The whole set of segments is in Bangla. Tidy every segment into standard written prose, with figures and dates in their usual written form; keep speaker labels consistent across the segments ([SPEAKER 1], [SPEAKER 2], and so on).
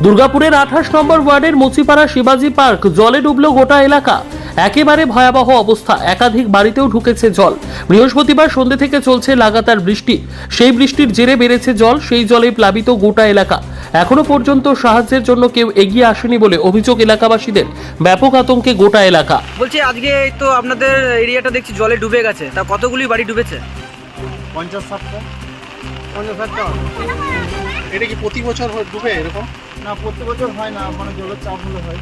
[SPEAKER 1] দুর্গাপুরের 28 নম্বর ওয়ার্ডের মুচিপাড়া শিবাজি পার্ক জলে ডুবলো গোটা এলাকা। একেবারে ভয়াবহ অবস্থা, একাধিক বাড়িতেও ঢুকেছে জল। বৃহস্পতিবার সন্ধ্যে থেকে চলছে লাগাতার বৃষ্টি, সেই বৃষ্টির জেরে বেড়েছে জল, সেই জলে প্লাবিত গোটা এলাকা। এখনো পর্যন্ত সাহায্যের জন্য কেউ এগিয়ে আসেনি বলে অভিযোগ এলাকাবাসীদের। ব্যাপক আতঙ্কে গোটা এলাকা।
[SPEAKER 2] বলছি আজকে তো আপনাদের এরিয়াটা দেখছি জলে ডুবে গেছে, তা কতগুলি বাড়ি ডুবেছে?
[SPEAKER 3] 50-60টা। এটা কি প্রতি বছর ডুবে এরকম? না, প্রতি বছর হয় না, মানে জলের চাপ হলে হয়।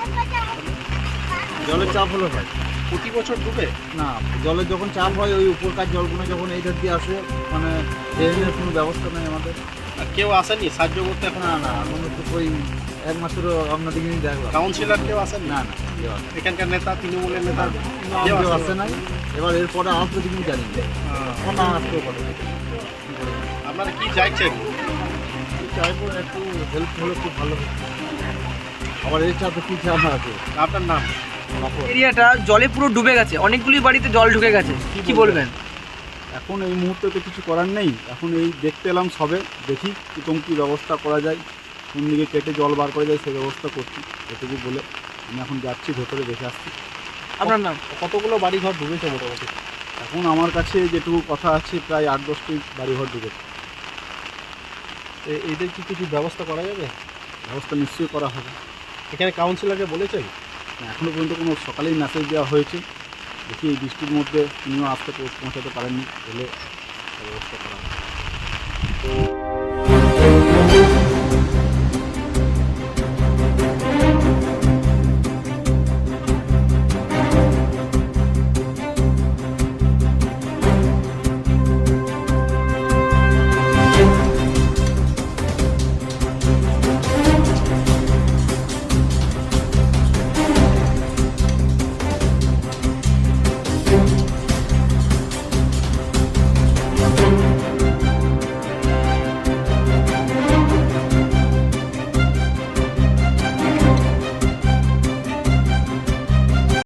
[SPEAKER 3] জলের চাপ হলে হয়। প্রতি বছর ডুবে না, জলের যখন চাপ হয় ওই উপরকার জলগুলো যখন এই ধার দিয়ে আসে, মানে ড্রেনের কোনো ব্যবস্থা নেই আমাদের। আর কেউ আসেনি সাহায্য করতে এখন? না, আমরা তো ওই এক মাসেরও আপনাদেরকে দেখলাম। কাউন্সিলর কেউ আসেন? না, কেউ আসে। এখানকার নেতা, তৃণমূলের নেতা কেউ আসে নাই। এবার এরপরে আসবে কিন্তু জানি না আসতেও পারে। আপনারা কি চাইছেন? চাইবো একটু হেল্প হলে খুব ভালো হতো। আবার এই চাপে কি চাপ আছে? আপনার নাম?
[SPEAKER 2] এরিয়াটা জলে পুরো ডুবে গেছে, অনেকগুলি বাড়িতে জল ঢুকে গেছে, কি বলবেন?
[SPEAKER 3] এখন এই মুহূর্তে তো কিছু করার নেই, এখন এই দেখতে এলাম সবে, দেখি কিরকম কী ব্যবস্থা করা যায়, কোন দিকে কেটে জল বার করা যায় সেই ব্যবস্থা করছি। এটুকু বলে আমি এখন যাচ্ছি, ভেতরে দেখে আসছি।
[SPEAKER 2] আপনার নাম?
[SPEAKER 3] কতগুলো বাড়িঘর ডুবেছে মোটামুটি? এখন আমার কাছে যেটুকু কথা আছে প্রায় 8-10টি বাড়িঘর ডুবেছে। এদের কি কিছু ব্যবস্থা করা যাবে? ব্যবস্থা নিশ্চয়ই করা হবে। এখানে কাউন্সিলরকে বলেছেন? এখনও পর্যন্ত কোনো সকালেই মেসেজ দেওয়া হয়েছে, দেখি এই বৃষ্টির মধ্যে তিনিও আসতে পৌঁছাতে পারেননি, বলে ব্যবস্থা করা হবে।